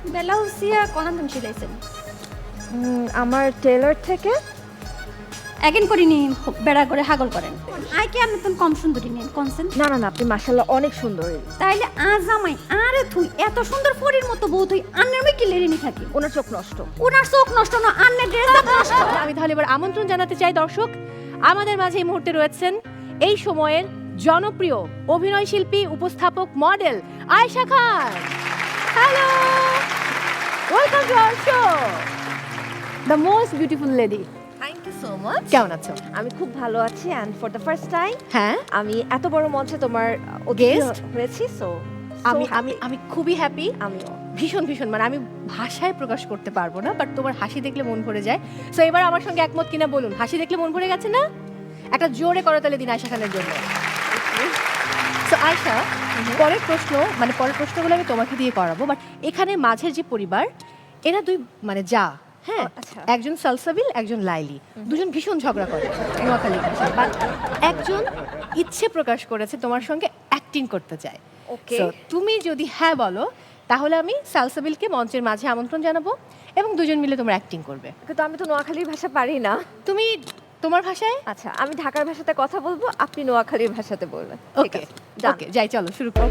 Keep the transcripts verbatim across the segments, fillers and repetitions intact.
বেলাউসিয়া Conan তুমি সিলাইছেন? আমার teller থেকে। একেন করিনি বেড়া করে হাগল করেন। আই কি আপনি তুমি কম সুন্দরী নেন কনসেন্ট? না না না, আপনি মাশাআল্লাহ অনেক সুন্দর। তাইলে আজ আমায় আরে তুই এত সুন্দর পরীর মতো বউ তুই আন্নের মে কি লেরিনি থাকি? ওনার চোখ নষ্ট। ওনার চোখ নষ্ট না, আন্নের ড্রেস আপ নষ্ট। আমি তাহলে এবার আমন্ত্রণ জানাতে চাই দর্শক, আমাদের মাঝে এই মুহূর্তে রয়েছেন এই সময়ের জনপ্রিয় অভিনয় শিল্পী, উপস্থাপক, model Ayesha Khan. Hello, welcome to our show, the most beautiful lady. Thank you so much. কেমন আছো? আমি খুব ভালো আছি, and for the first time হ্যাঁ, আমি এত বড় মঞ্চে তোমার Guest হয়েছি, সো আমি আমি আমি খুবই হ্যাপি, আমিও। ভীষণ ভীষণ, মানে আমি ভাষায় প্রকাশ করতে পারবো না, বাট তোমার হাসি দেখলে মন ভরে যায়। সো এবার আমার সঙ্গে একমত কিনা বলুন, হাসি দেখলে মন ভরে গেছে না? একটা জোরে করতালি দিন আয়েশা খানের জন্য। সো আয়েশা, পরের প্রশ্ন, মানে পরের প্রশ্নগুলো আমি তোমাকে দিয়ে করাবো, বাট এখানে মাঝের যে পরিবার, এরা দুই মানে যা, হ্যাঁ, আচ্ছা। একজন সালসাবিল, একজন লাইলি, দুজন ভীষণ ঝগড়া করে নোয়াখালীর ভাষায়, বাট একজন ইচ্ছে প্রকাশ করেছে তোমার সঙ্গে অ্যাক্টিং করতে চায়। ওকে। So, তুমি যদি হ্যাঁ বলো তাহলে আমি সালসাবিলকে মঞ্চের মাঝে আমন্ত্রণ জানাবো এবং দুজন মিলে তোমরা অ্যাক্টিং করবে। কিন্তু আমি তো নোয়াখালীর ভাষা পারি না। তুমি তোমার ভাষায়। আচ্ছা, আমি ঢাকার ভাষাতে কথা বলবো, আপনি নোয়াখালীর ভাষাতে বলবেন। ওকে ওকে, যাই, চলো শুরু করো।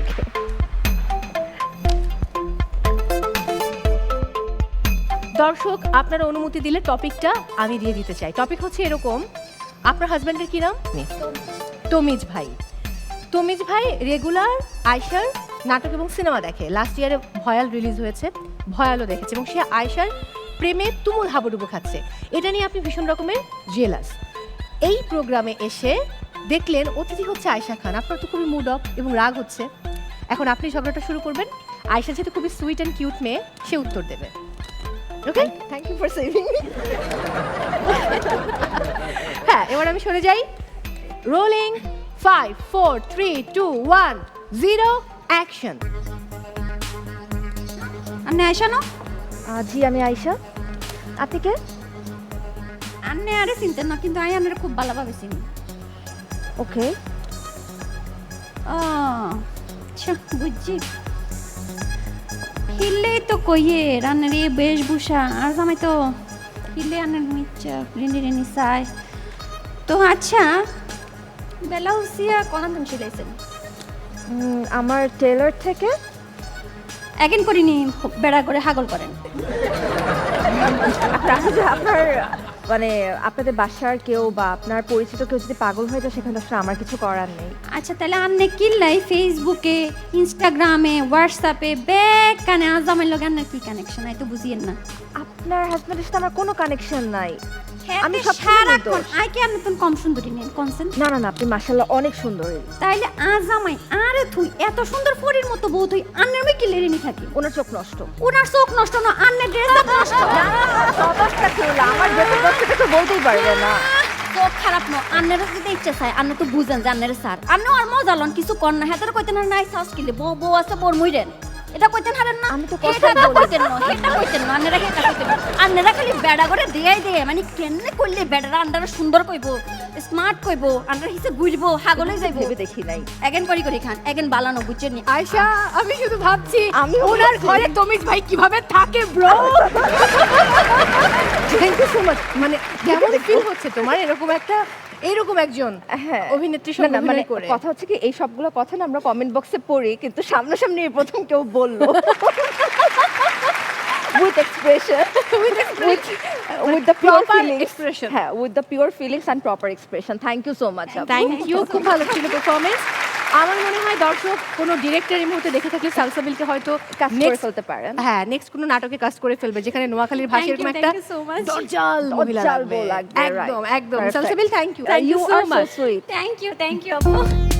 দর্শক, আপনারা অনুমতি দিলে টপিকটা আমি দিয়ে দিতে চাই। টপিক হচ্ছে এরকম, আপনার হাজব্যান্ডের কি নাম? তমিজ ভাই। তমিজ ভাই রেগুলার আয়শার নাটক এবং সিনেমা দেখে। লাস্ট ইয়ারে ভয়াল রিলিজ হয়েছে, ভয়ালও দেখেছে, এবং সে আয়শার প্রেমে তুমুল হাবুডুবু খাচ্ছে। এটা নিয়ে আপনি ভীষণ রকমের জেলাস। এই প্রোগ্রামে এসে দেখলেন অতিথি হচ্ছে আয়েশা খান, আপনার তো খুবই মুড অফ এবং রাগ হচ্ছে। এখন আপনি ঝগড়াটা শুরু করবেন। আয়েশা যেহেতু খুবই সুইট অ্যান্ড কিউট মেয়ে, সে উত্তর দেবে। Okay, thank you for saving me. হ্যাঁ, এবার আমি সরে যাই। Rolling, five four three two one zero, action. আন্নে আয়শা না? জি, আমি আয়েশা। আপনি কে? আন্নে আরে চিনতেন না, কিন্তু আই আন্নের খুব ভালোভাবে চিনি। ওকে। ও আচ্ছা, বুঝছি। হিললেই তো কইয়ে রান্নার এই বেশভূষা, আর জামাই তো হিললে আন্নের মিচ্ছা রিনি রিনি চাই তো। আচ্ছা, বেলাউসিয়া কোনান তুমি সিলাইছেন? আমার টেলার থেকে। একেন করিনি বেড়া করে হাগল করেন। আপনার আপনার মানে আপনাদের বাসার কেউ বা আপনার পরিচিত কেউ যদি পাগল হয়ে যায়, সেখানে আসলে আমার কিছু করার নেই। আচ্ছা, তাহলে আন্নে কিল্লাই ফেসবুকে, ইনস্টাগ্রামে, হোয়াটসঅ্যাপে ব্যাগ কানে আজামের লগে আন্নার কি কানেকশন? আই তো বুঝিয়েন না। আপনার হাজবেন্ডের সাথে আমার কোনো কানেকশন নাই। আমি আমি সব সারাক্ষণ আই কি আপনি তুমি কম সুন্দরী নেন কনসেন্ট? না না না, আপনি মাশাআল্লাহ অনেক সুন্দর। তাইলে আজ আমায় আরে তুই এত সুন্দর পরীর মতো বউ তুই আন্নের মে কি লেরিনি থাকি? ওনার চোখ নষ্ট। ওনার চোখ নষ্ট না, আন্নের ড্রেস আপ নষ্ট। অবস্থা ছিল আমার যেটা করতে তো বলতেই পারবে না। চোখ খারাপ ন, আন্নের যদি ইচ্ছা চাই আন্ন তো বুঝেন যে আন্নের স্যার আন্ন আর মজা লন কিছু কর না। হেতার কইতেন না নাই সাউস কিলে বউ বউ আছে বর মইরেন, এটা কইতেন হারেন না। আমি তো কথা এটা বলি। কইতেন না, এটা কইতেন না, আন্নেরা এটা কইতেন না। আন্নেরা খালি বেড়া করে দেয়াই দেয়, মানে কেনে করলে বেড়ারা আন্ডারে সুন্দর কইবো, স্মার্ট কইবো, আন্ডার হিসে ঘুরবো, হাগলে যাইবো। ভেবে দেখি নাই। এগেন করি করি খান, এগেন বালানো বুঝছেন নি? আয়েশা, আমি শুধু ভাবছি আমি ওনার ঘরে তমিজ ভাই কিভাবে থাকে bro. Thank you so much. মানে কেমন ফিল হচ্ছে তোমার এরকম একটা, এরকম একজন হ্যাঁ, অভিনেত্রীর না সঙ্গে না, মানে অভিনয় করে? কথা হচ্ছে কি, এই সবগুলো কথা না আমরা কমেন্ট বক্সে পড়ি, কিন্তু সামনাসামনি এই প্রথম কেউ বললো। With expression, with with the pure Proper feelings. expression. হ্যাঁ, with the pure feelings and proper expression. Thank you so much. Thank you, খুব ভালো ছিল পারফরমেন্স। আমার মনে হয় দর্শক কোনো ডিরেক্টর এই মুহূর্তে দেখে থাকলে সালসাবিলকে হয়তো কাজ করে next- ফেলতে পারেন। হ্যাঁ, নেক্সট কোনো নাটকে কাজ করে ফেলবে, যেখানে নোয়াখালীর ভাষায় Thank you, এরকম একটা thank you so much. দরজাল মহিলা দরজাল লাগবে। বউ লাগবে, একদম right. একদম। Perfect. Salsabil, thank you, thank You you so are so much. sweet. Thank you thank you আপু।